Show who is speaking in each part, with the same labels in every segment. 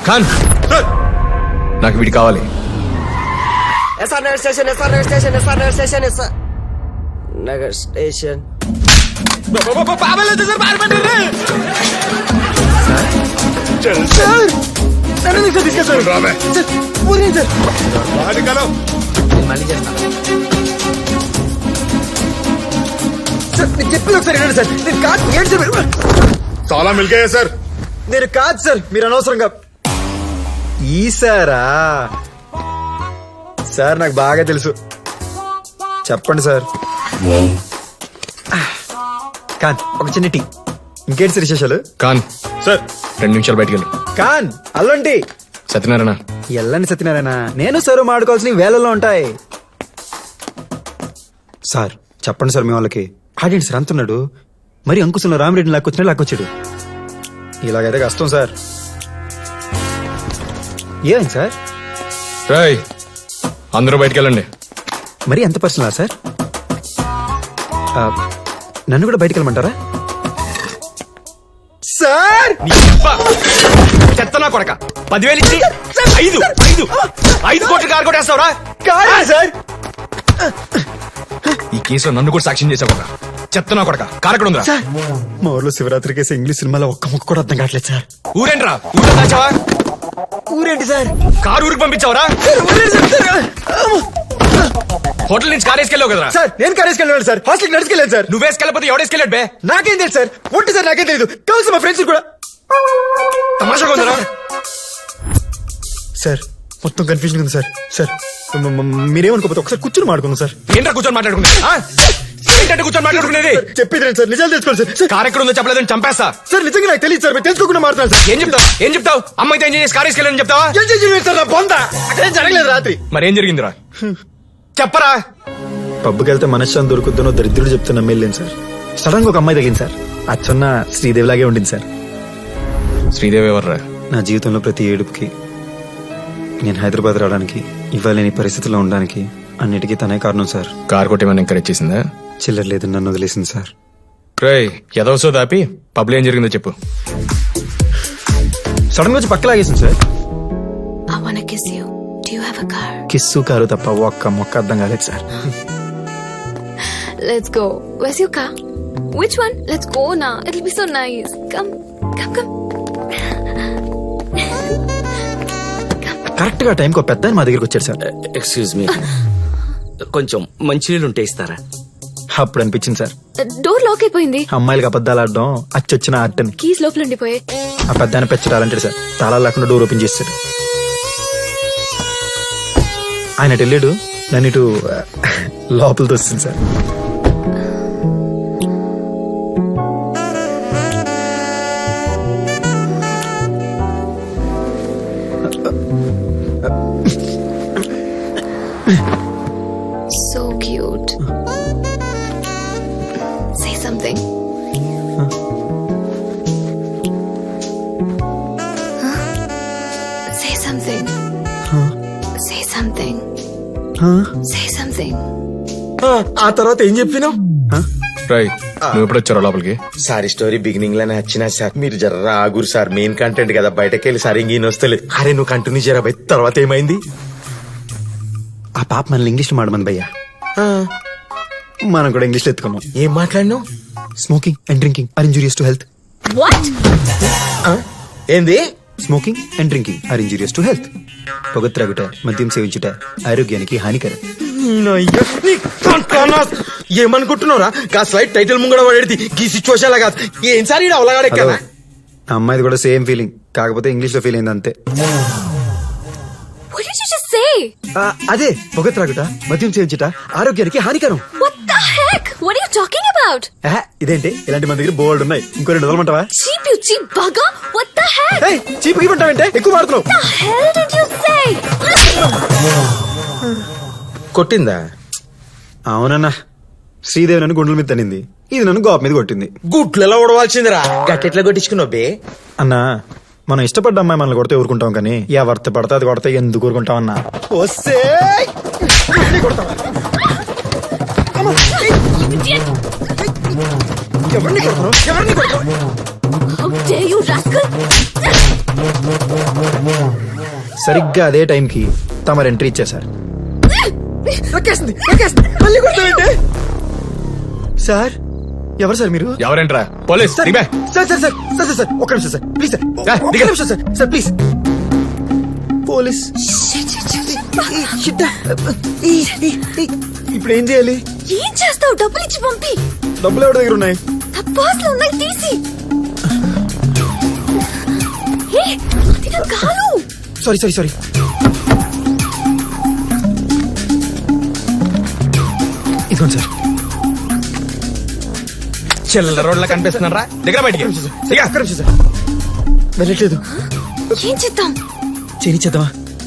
Speaker 1: ఖాన్ నాకు వీడి కావాలి.
Speaker 2: SR Nagar station, SR Nagar station, SR Nagar station, SR Nagar station. మళ్ళీ చేస్తాను సార్. నేను చెప్పింది ఒకసారి వినండి సార్. నేను కాదు ఏంటి సార్.
Speaker 3: చాలా మిల్కాయా సార్.
Speaker 2: నేను కాదు సార్, మీరు అనవసరంగా.
Speaker 4: ఈసారా సార్? నాకు బాగా తెలుసు. చెప్పండి సార్. కాన్ ఒక చిన్న టీ. ఇంకేంటి సార్ విశేషాలు?
Speaker 1: ఖాన్
Speaker 3: సార్
Speaker 1: 2 నిమిషాలు బయటికి వెళ్ళు.
Speaker 4: కాన్ అల్లంటి
Speaker 1: సత్యనారాయణ
Speaker 4: ఎల్లండి సత్యనారాయణ. నేను సార్ మాడుకోవాల్సిన వేళల్లో ఉంటాయి సార్. చెప్పండి సార్ మీ వాళ్ళకి. ఆడేంటి సార్ అంటున్నాడు. మరి అంకుశంలో రామిరెడ్డిని లాక్కొచ్చినా లాక్కొచ్చాడు. ఇలాగైతే కష్టం సార్. ఏమైంది సార్?
Speaker 1: రాయ్ అందరూ బయటికి వెళ్ళండి.
Speaker 4: మరి ఎంత పర్సనలా సార్? నన్ను కూడా బయటికి వెళ్ళమంటారా సార్?
Speaker 1: చెత్తనా కొడక 10,000 ఇచ్చి 5 కోట్లు కారు కొట్టేస్తావురా?
Speaker 4: సార్
Speaker 1: ఈ కేసులో నన్ను కూడా సాక్ష్యం చేసావు కదా. చెత్తనా కొడక కారక్కడ ఉందిరా.
Speaker 4: మా ఊర్లో శివరాత్రి కేసు ఇంగ్లీష్ సినిమాలో ఒక్క ముక్క కూడా అర్థం కావట్లేదు సార్.
Speaker 1: ఊరేంట్రా? ఊళ్ళో దాచావా?
Speaker 4: ఊరేంటి సార్?
Speaker 1: కారు ఊరికి పంపించావరా? హోటల్ నుంచి కారు వేసుకెళ్ళావు కదరా?
Speaker 4: సార్ నేను కారేసుకెళ్ళాను సార్. హాస్టల్కి నడుచుకెళ్ళాను సార్.
Speaker 1: నువ్వు వేసుకెళ్ళకపోతే ఎవడేసుకెళ్ళాడు బే?
Speaker 4: నాకేం తెలుసు సార్. ఒంటి సార్ నాకేం తెలియదు. కలిసి మా ఫ్రెండ్స్ కూడా.
Speaker 1: తమాషాగా ఉందరా?
Speaker 4: సార్ మొత్తం కన్ఫ్యూజన్ ఉంది సార్. సార్ మీరేమనుకోకపోతే ఒకసారి కూర్చొని మాడుకుందాం సార్.
Speaker 1: ఏంట్రా కూర్చొని మాట్లాడుకునేది? ఏంటంటే కూర్చొని మాట్లాడుకునేది?
Speaker 4: చెప్పేది సార్. నిజాలు తెలుసుకోండి సార్.
Speaker 1: కారు ఎక్కడ ఉందో చెప్పలేదని చంపేస్తా.
Speaker 4: సార్ నిజంగా నాకు తెలియదు సార్. మీరు తెలుసుకోకుండా మాట్లాడారు సార్.
Speaker 1: ఏం చెప్తావు? అమ్మాయితో ఎంజాయ్ చేసి కారు వేసుకెళ్ళని చెప్తావా?
Speaker 4: సార్ నా బొంద అక్కడేం జరగలేదు రాత్రి.
Speaker 1: మరేం జరిగిందిరా చెప్పరా?
Speaker 4: పబ్కి వెళ్తే మనశ్శాంతి దొరుకుతుందో దరిద్రుడు చెప్తున్నా నమ్మేళ్ళేను సార్. సడన్ గా ఒక అమ్మాయి తగ్గింది సార్. అచ్చన్న శ్రీదేవి లాగే ఉండింది సార్.
Speaker 1: శ్రీదేవి ఎవర్రా?
Speaker 4: నా జీవితంలో ప్రతి ఏడుపుకి, నేను హైదరాబాద్ రావడానికి, ఇవ్వలేని పరిస్థితుల్లో ఉండడానికి అన్నిటికీ తనే కారణం సార్.
Speaker 1: కారు కొట్టేమని ఎంకరేజ్ చేసిందా?
Speaker 4: చిల్లర లేదు నన్ను వదిలేసింది సార్.
Speaker 1: రేయ్ ఎదవసో దాపి పబ్లో ఏం జరిగిందో చెప్పు.
Speaker 4: సడన్ గా వచ్చి పక్క లాగేసింది sir.
Speaker 5: I wanna kiss you. Do you have a car?
Speaker 4: Kiss car తప్ప ఒక్క మొక్క అర్థం కాలేదు sir.
Speaker 5: Let's go. Where's your car? Which one? Let's go now. It'll be so nice. Come.
Speaker 4: Correct గా టైంకి ఒక పెద్ద మా దగ్గరికి వచ్చాడు సార్.
Speaker 2: ఎక్స్క్యూజ్ మీ, కొంచెం మంచినీళ్ళు ఉంటే ఇస్తారా?
Speaker 4: అప్పుడు అనిపించింది సార్,
Speaker 5: డోర్ లాక్ అయిపోయింది.
Speaker 4: అమ్మాయిలకి అబద్ధాలు ఆడడం అచ్చొచ్చిన ఆర్ట్ అని.
Speaker 5: కీస్ లోపల ఉండిపోయాయి.
Speaker 4: ఆ పెద్ద ఆయన పెంచడాలంటాడు సార్. తాళాలు లేకుండా డోర్ ఓపెన్ చేస్తాడు. ఆయన వెళ్ళాడు. నన్ను ఇటు లోపలితో వస్తుంది sir.
Speaker 5: So cute. Say something. Huh? Say something. Say something. Say something.
Speaker 2: ఆ తర్వాత ఏం చెప్పినావు?
Speaker 1: రాయ్ నువ్వు ఎప్పుడు వచ్చారో లోపలికి?
Speaker 6: సారీ స్టోరీ బిగినింగ్ లోనే వచ్చినా సార్. మీరు జర్రా ఆగురు సార్. మెయిన్ కంటెంట్ కదా, బయటకి వెళ్ళి సార్ ఇంకేం వస్తలేదు. అరే నువ్వు కంటిన్యూ చేయరా బయట. తర్వాత ఏమైంది?
Speaker 4: ఆ పాప మనల్ని ఇంగ్లీష్ మాడమని భయ్యా. మనం కూడా ఇంగ్లీష్ లో ఎత్తుకున్నాం.
Speaker 6: ఏం మాట్లాడినావు?
Speaker 4: Smoking and drinking are injurious to health.
Speaker 5: What?
Speaker 6: ఏంది?
Speaker 4: Smoking and drinking are injurious to health. పొగ త్రాగుట, మద్యం సేవించుట ఆరోగ్యానికి హానికరం.
Speaker 6: ఏమనుకుంటున్నారా? గా స్లైడ్ టైటిల్ ముంగడ పడేది ఈ సిచ్యువేషన్ లా కాదు. ఏం సార్ ఈడ అవలగాడే కదా.
Speaker 4: ఆ అమ్మాయిది కూడా సేమ్ ఫీలింగ్, కాకపోతే ఇంగ్లీష్ లో ఫీల్ అయింది అంతే.
Speaker 5: What did you just say?
Speaker 4: అదే పొగ త్రాగుట, మద్యం సేవించుట ఆరోగ్యానికి హానికరం.
Speaker 5: What the heck? What are you talking about?
Speaker 4: ఇదేంటి ఇలాంటి మన దగ్గర బోర్డు ఉన్నాయి. ఇంకో 2 వదలమంటావా?
Speaker 5: Cheap, you cheap bugger. What the heck?
Speaker 4: Cheap ఇవ్వంటావంటే ఎక్కువ మాడుతున్నావు.
Speaker 5: What the hell did you say?
Speaker 6: కొట్టిందా?
Speaker 4: అవునన్నా, శ్రీదేవి నన్ను గుండెల మీద తనింది, ఇది నన్ను గోప మీద కొట్టింది.
Speaker 6: గుట్లలో ఉడవాల్సిందిరా. గట్టెట్లా కొట్టించుకున్నావు బే?
Speaker 4: అన్నా మనం ఇష్టపడ్డ అమ్మాయి మనల్ని కొడితే ఊరుకుంటాం, కానీ ఎవరితో పడితే అది కొడితే ఎందుకు ఊరుకుంటాం అన్నా?
Speaker 5: How dare you, rascal?
Speaker 4: సరిగ్గా అదే టైంకి తమరు ఎంట్రీ ఇచ్చేశారు. సార్ ఎవరు సార్ మీరు?
Speaker 1: ఎవరేంట్రా పోలీస్
Speaker 4: సార్
Speaker 1: దిగే.
Speaker 4: Sir sir sir sir sir sir ఒక్క నిమిషం సార్ ప్లీజ్ సార్ ఒక్క
Speaker 1: దిగు.
Speaker 4: నిమిషం సార్ సార్ ప్లీజ్. పోలీస్ ఇప్పుడు ఏం చేయాలి?
Speaker 5: ఏం చేస్తావు? డబ్బులు ఇచ్చి పంపి.
Speaker 4: డబ్బులు ఎవరి దగ్గర ఉన్నాయి?
Speaker 5: తప్పాస్లు ఉన్నాయి, తీసి. ఏ, అది నా కాలు.
Speaker 4: Sorry sorry sorry. ఇదిగోండి సార్.
Speaker 1: చిల్లర రోడ్ల కనిపిస్తున్నారా? దగ్గర బయటికి దిగా.
Speaker 4: ఒక్క నిమిషం సార్. వెళ్ళట్లేదు.
Speaker 5: ఏం చేద్దాం?
Speaker 4: చేయించేద్దామా?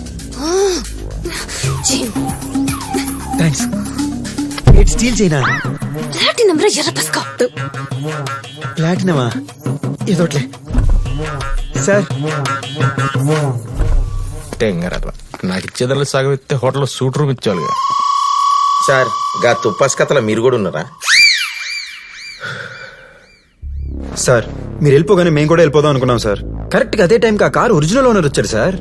Speaker 4: Thanks. Eight steel China.
Speaker 5: Platinum రా, ఎర్ర పసుకో.
Speaker 4: ప్లాటినమా? ఏదోట్లే సార్.
Speaker 1: తెంగరరా నాకు ఇచ్చేదాన్ని సగం ఇస్తే హోటల్లో సూట్ రూమ్ ఇచ్చేవాళ్ళుగా.
Speaker 6: సార్ గా తుప్పస్ కథల మీరు కూడా ఉన్నారా?
Speaker 4: సార్ మీరు వెళ్ళిపోగానే మేము కూడా వెళ్ళిపోదాం అనుకున్నాం సార్. కరెక్ట్ గా అదే టైంకి ఆ కారు ఒరిజినల్ ఓనర్ వచ్చాడు సార్.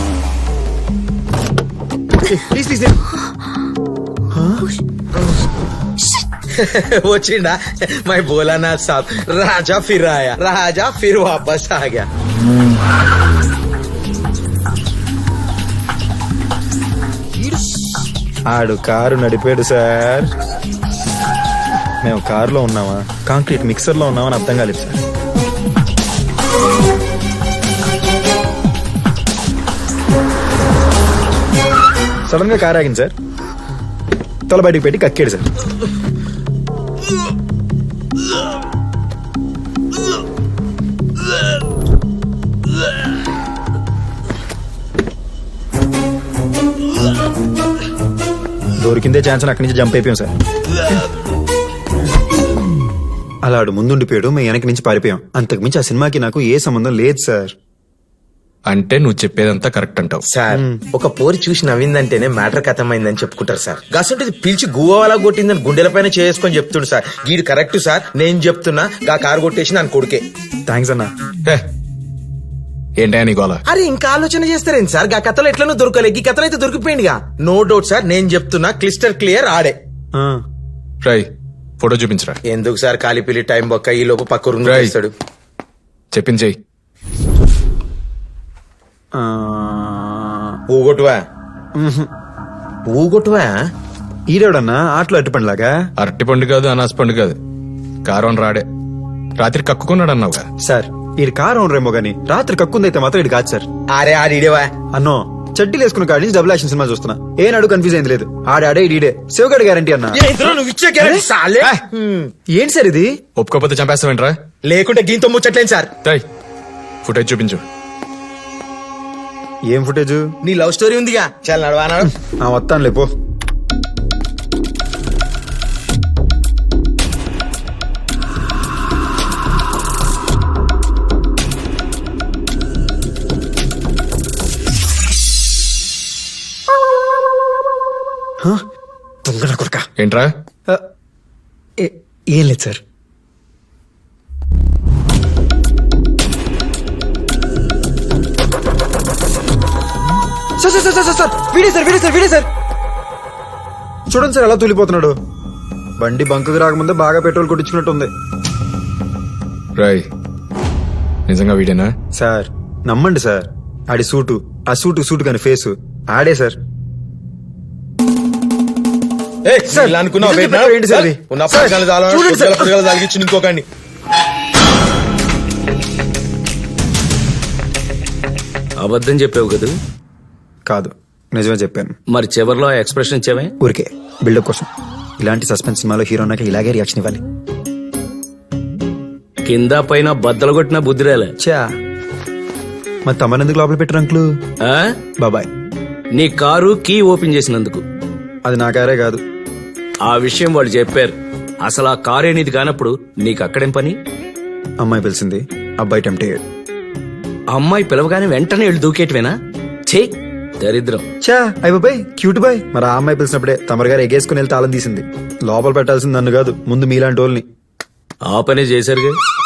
Speaker 4: Please please.
Speaker 6: వచ్చిండా మై బోలానా సాబ్. రాజా ఫిర్ ఆయా, రాజా ఫిర్ వాపస్ ఆగా.
Speaker 4: ఆడు కారు నడిపాడు సార్. మేము కారులో ఉన్నామా కాంక్రీట్ మిక్సర్ లో ఉన్నామని అర్థం కాలేదు సార్. సడన్ గా కారు ఆగింది సార్. తల బయటికి పెట్టి కక్కాడు సార్. దొరికిందే ఛాన్స్ అక్కడి నుంచి జంప్ అయిపోయాం సార్. అలా ఆడు ముందుండిపోయాడు, మేము వెనక నుంచి పారిపోయాం. అంతకుమించి ఆ సినిమాకి నాకు ఏ సంబంధం లేదు సార్.
Speaker 1: అంటే నువ్వు చెప్పేదంతా కరెక్ట్ అంటావు.
Speaker 6: సార్ ఒక పోరి చూసి నవ్విందంటేనే మ్యాటర్ కథమైందని చెప్పుకుంటారు సార్. గసంటే పిలిచి గువ్వలా కొట్టిందని గుండెల పైన చేసుకొని చెప్తుండు సార్. గీడు కరెక్ట్ సార్, నేను చెప్తున్నా గా కారు కొట్టేసి నన్ను కొడుకే.
Speaker 4: థ్యాంక్స్ అన్నా.
Speaker 1: ఏంటా నీ గోల?
Speaker 6: అరే ఇంకా ఆలోచన చేస్తారేంటి సార్? గా కథలో ఎట్లనో దొరకలే, ఈ కథలో అయితే దొరికిపోయిందిగా. నో డౌట్ సార్, నేను చెప్తున్నా క్లిస్టర్ క్లియర్ ఆడే.
Speaker 4: ఆ,
Speaker 1: రై ఫోటో చూపించరా.
Speaker 6: ఎందుకు సార్ కాలిపిల్లి టైం బొక్క ఈ లోపు పక్క రూమ్
Speaker 1: Right.
Speaker 6: చేస్తాడు.
Speaker 1: చెప్పించేయి.
Speaker 4: ఆ,
Speaker 6: ఊగొట్టువా ఊగొట్టువా.
Speaker 4: ఈడేవడన్నా ఆటలో అట్టుపండిలాగా.
Speaker 1: అరటి పండు కాదు, అనాస పండు కాదు, కారం రాడే. రాత్రి కక్కుకున్నాడు అన్నావుగా.
Speaker 4: సార్ ఈడు కారు ఓనరేమో గానీ రాత్రి కక్కుందైతే మాత్రం ఇటు కాదు సార్.
Speaker 6: అరే ఆడిడేవా.
Speaker 4: అన్నో చెడ్డీలు వేసుకున్న కాడి నుంచి డబుల్ యాక్షన్ సినిమా చూస్తున్నా. ఏనాడు కన్ఫ్యూజ్ అయింది లేదు. ఆడే ఈడే శివగడ్ గ్యారంటీ అన్నా.
Speaker 6: నువ్వు ఇచ్చే గ్యారెంటీ సాలే.
Speaker 4: ఏంటి సార్ ఇది?
Speaker 1: ఒప్పుకోకపోతే చంపేస్తావేంట్రా?
Speaker 6: లేకుంటే గీంతో ముచ్చట్లేం సార్.
Speaker 1: రై ఫుటేజ్ చూపించు.
Speaker 4: ఏం ఫుటేజ్?
Speaker 6: నీ లవ్ స్టోరీ ఉందిగా, చాలా నడవా నడు.
Speaker 4: ఆ వస్తాను లేపో. దొంగ నా కొడుకా.
Speaker 1: ఏంట్రా?
Speaker 4: ఏం లేదు సార్. సార్ వీడే సార్ వీడే సార్ వీడే సార్. చూడండి సార్ ఎలా తూలిపోతున్నాడు. బండి బంకుకు రాకముందే బాగా పెట్రోల్ కొట్టించుకున్నట్టు ఉంది.
Speaker 1: రై నిజంగా వీడేనా?
Speaker 4: సార్ నమ్మండి సార్. ఆడి సూటు, ఆ సూటు కాని ఫేసు ఆడే సార్. సార్,
Speaker 6: అనుకున్నావు
Speaker 4: నిజం చెప్పారు ఏంటి సార్ ఇది? సార్, చూడండి సార్.
Speaker 6: తాగిచ్చి ఇంకొకటి.
Speaker 2: అబద్ధం చెప్పావు కదా?
Speaker 4: కాదు నిజమే చెప్పాను.
Speaker 2: మరి చివర్లో ఎక్స్ప్రెషన్ ఇచ్చావే?
Speaker 4: ఊరికే బిల్డప్ కోసం. ఇలాంటి సస్పెన్స్ సినిమాలో హీరో నాకు ఇలాగే రియాక్షన్ ఇవ్వాలి.
Speaker 2: కింద పైన బద్దలు కొట్టిన బుద్ధిరేలే.
Speaker 4: చా మరి తమరెందుకు లోపల పెట్టారు అంకులు?
Speaker 2: ఆ?
Speaker 4: బాబాయ్
Speaker 2: నీ కారు కీ ఓపెన్ చేసినందుకు.
Speaker 4: అది నా కారే కాదు.
Speaker 2: ఆ విషయం వాళ్ళు చెప్పారు. అసలు ఆ కారు అనేది కానప్పుడు నీకు అక్కడేం పని?
Speaker 4: అమ్మాయి పిలిచింది, అబ్బాయి టెంప్ట్ అయ్యాడు.
Speaker 2: అమ్మాయి పిలవగానే వెంటనే వెళ్ళి దూకేటివేనా? ఛీ దరిద్రం.
Speaker 4: చా అయ్య బాబాయ్ క్యూట్ బాయ్. మరి ఆ అమ్మాయి పిలిచినప్పుడే తమరు గారు ఎగేసుకుని వెళ్ళి తాళం తీసింది. లోపల పెట్టాల్సింది నన్ను కాదు, ముందు మీలాంటి వాళ్ళని.
Speaker 2: ఆ పనే చేశారుగా.